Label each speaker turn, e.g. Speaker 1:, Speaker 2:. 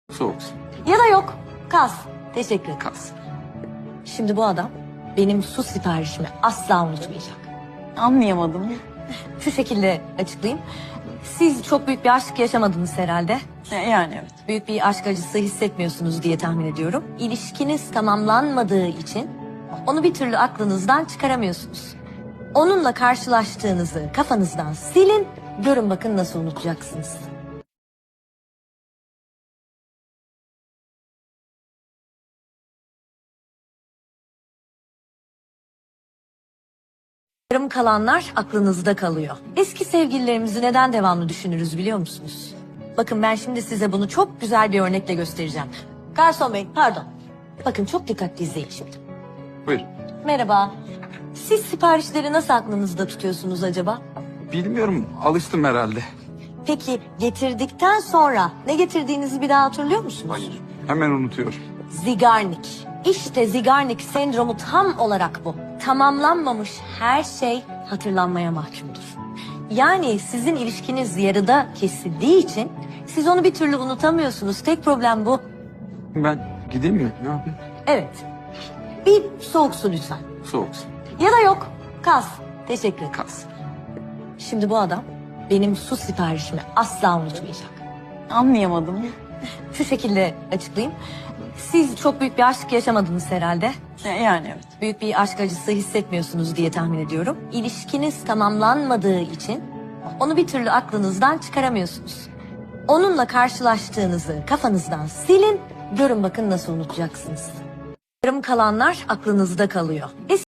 Speaker 1: Soğuk.
Speaker 2: Ya da yok. Kas. Teşekkür ederim.
Speaker 1: Kas.
Speaker 2: Şimdi bu adam benim su siparişimi asla unutmayacak.
Speaker 3: Anlayamadım.
Speaker 2: Şu şekilde açıklayayım. Siz çok büyük bir aşk yaşamadınız herhalde.
Speaker 3: Yani evet.
Speaker 2: Büyük bir aşk acısı hissetmiyorsunuz diye tahmin ediyorum. İlişkiniz tamamlanmadığı için onu bir türlü aklınızdan çıkaramıyorsunuz. Onunla karşılaştığınızı kafanızdan silin, görün bakın nasıl unutacaksınız. Yarım kalanlar aklınızda kalıyor. Eski sevgililerimizi neden devamlı düşünürüz biliyor musunuz? Bakın ben şimdi size bunu çok güzel bir örnekle göstereceğim. Garson bey, pardon. Bakın çok dikkatli izleyin şimdi.
Speaker 1: Buyur.
Speaker 2: Merhaba. Siz siparişleri nasıl aklınızda tutuyorsunuz acaba?
Speaker 1: Bilmiyorum, alıştım herhalde.
Speaker 2: Peki getirdikten sonra ne getirdiğinizi bir daha hatırlıyor musunuz?
Speaker 1: Hayır. Hemen unutuyorum.
Speaker 2: Zigarnik. İşte Zigarnik sendromu tam olarak bu. Tamamlanmamış her şey hatırlanmaya mahkumdur. Yani sizin ilişkiniz yarıda kesildiği için siz onu bir türlü unutamıyorsunuz. Tek problem bu.
Speaker 1: Ben gideyim mi? Ne yapayım?
Speaker 2: Evet. Bir soğuk su lütfen.
Speaker 1: Soğuk.
Speaker 2: Ya da yok. Kas. Teşekkür ederim.
Speaker 1: Kas.
Speaker 2: Şimdi bu adam benim su siparişimi asla unutmayacak.
Speaker 3: Anlayamadım.
Speaker 2: Şu şekilde açıklayayım. Siz çok büyük bir aşk yaşamadınız herhalde.
Speaker 3: Yani evet.
Speaker 2: Büyük bir aşk acısı hissetmiyorsunuz diye tahmin ediyorum. İlişkiniz tamamlanmadığı için onu bir türlü aklınızdan çıkaramıyorsunuz. Onunla karşılaştığınızı kafanızdan silin, görün bakın nasıl unutacaksınız. Yarım kalanlar aklınızda kalıyor.